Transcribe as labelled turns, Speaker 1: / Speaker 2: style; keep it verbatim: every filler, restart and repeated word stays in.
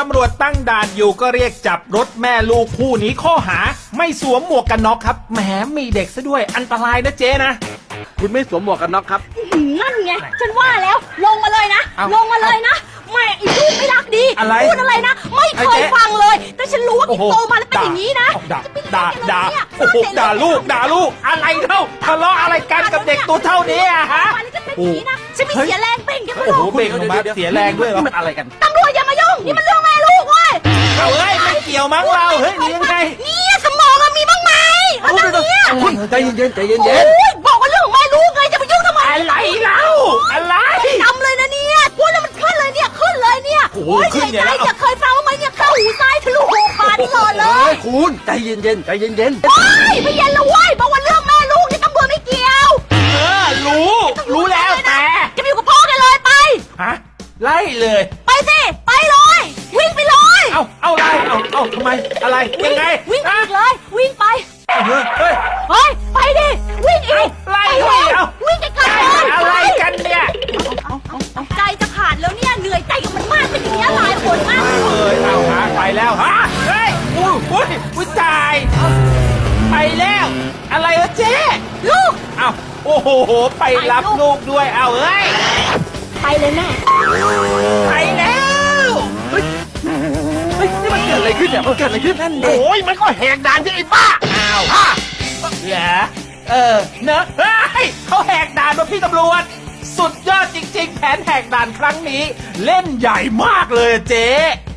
Speaker 1: ำรวจตั้งด่านอยู่ก็เรียกจับรถแม่ลูกคู่นี้ข้อหาไม่สวมหมวกกันน็อกครับแหมมีเด็กซะด้วยอันตรายนะเจ๊นะ
Speaker 2: คุณไม่สวมหมวกกันน็อกครับ
Speaker 3: นั่นไงฉันว่าแล้วลงมาเลยนะ
Speaker 1: เอ้า
Speaker 3: ลงมาเลยนะแม่อีลูกไม่รักดี
Speaker 1: อะไร
Speaker 3: พูดอะไรนะไม่เค
Speaker 1: ไอ้
Speaker 3: ย
Speaker 1: เจ๊
Speaker 3: ฟังเลย แต่ฉันรู้ว่า
Speaker 1: โอ้
Speaker 3: กิ
Speaker 1: โห
Speaker 3: โตมาแล้วเป็นอย่างนี้นะ
Speaker 1: ด่า
Speaker 3: จะเป็น
Speaker 1: ด่า
Speaker 3: ยังไง
Speaker 1: ด่า
Speaker 3: เนี่ย
Speaker 1: โอ้โหด่าลูกด่าลูกอะไรเท่าทะเลาะอะไรกันกับเด็กตัวเท่านี้อะฮะ
Speaker 3: วันนี้จะเป็นอย่างนี้นะฉันไม่เสียแรงเป็นแค่ไม่
Speaker 1: โอ้โห
Speaker 3: รู้
Speaker 1: เบ่งออกมาเสียแรงด้วยเหรอ
Speaker 2: นี่มันอะไรกัน
Speaker 3: ตำรวจอย่ามายุ่งนี่มันเรื่องแม่ลูกเว้ย
Speaker 1: เอาเฮ้ยไม่เกี่ยวมั้งเราเฮ้ยหรือยังไง
Speaker 3: เนี่ยสมองอะมีบ้างไหมอะไรเนี่ย
Speaker 2: คุณใจเย็นๆใจเย็น
Speaker 3: โอ้ยบอกว่าเรื่องของแม่ลูกไงจะไปยุ่งทำไม
Speaker 1: อะไรเล่าอะไร
Speaker 3: จำเลยนะเนี่ยพูดแล้วมันขึ้นเลยเนี่ยขึ้นเลยเนี่ย
Speaker 1: โอ้โห
Speaker 3: ย
Speaker 1: ขึ้นเนี่ย
Speaker 3: ใจ
Speaker 1: แล้ว
Speaker 3: จะเคยฟังบ้างไหมเนี่ยเข้าหูซ้ายทะลุหูขวาตลอด
Speaker 2: ๆ
Speaker 3: เล
Speaker 2: เฮ้
Speaker 3: ย
Speaker 2: ยคุณใจเย็นๆใจเย็น
Speaker 3: ว้ายไม่เย็นแล้วเว้ยบอกว่าเรื่องแม่ลูกนี่ตำรวจไม่เกี่ยว
Speaker 1: เออรู้ รู้แล้วแต่
Speaker 3: จะไปอยู่กับพ่อกันเลยไป
Speaker 1: ฮะไล่เลย
Speaker 3: ไปสิไปเลย วิ่งไปเลย
Speaker 1: เอาเอาไล่เอาเอาทำไมอะไรยังไง
Speaker 3: วิ่งไป
Speaker 1: ฮะ
Speaker 3: อีกเลย วิ่งไป
Speaker 1: เฮ้ยเฮ้ย
Speaker 3: เฮ้ยไปดิวิ่งอีก
Speaker 1: ไล่
Speaker 3: ไป
Speaker 1: ดิ
Speaker 3: เลย
Speaker 1: เอา
Speaker 3: วิ่งไกลๆเลย
Speaker 1: อะไรกันเนี่ย
Speaker 3: ใจจะขาดแล้วเนี่ยเหนื่อยใจกับมันมากเป็นอย่างนี้ยหลายคนมาก
Speaker 1: เอ้ยเอาหาไปแล้วฮะเฮ้ยอุ้ยอุ้ยอุ้ยตายไปแล้ว อะไรวะเจ๊
Speaker 3: ลูก
Speaker 1: เอาโอ้โหไปรับลูกด้วยเอาเอ้ย
Speaker 3: ไปเลยแม่
Speaker 1: ไปแล้ว
Speaker 2: ๆเฮ้ยนี่มันเกิดอะไรขึ้นเนี่ยมันเกิดอะไรขึ้นนั่นเอง
Speaker 1: โอ้ยมันก็แหกด่านที่ไอ้ป้าอ้าวฮะเหรอเออเนอะเฮ้ยเขาแหกด่านมาพี่ตำรวจ สุดยอดจริงๆ แผนแหกด่านครั้งนี้ เล่นใหญ่มากเลยอะเจ๊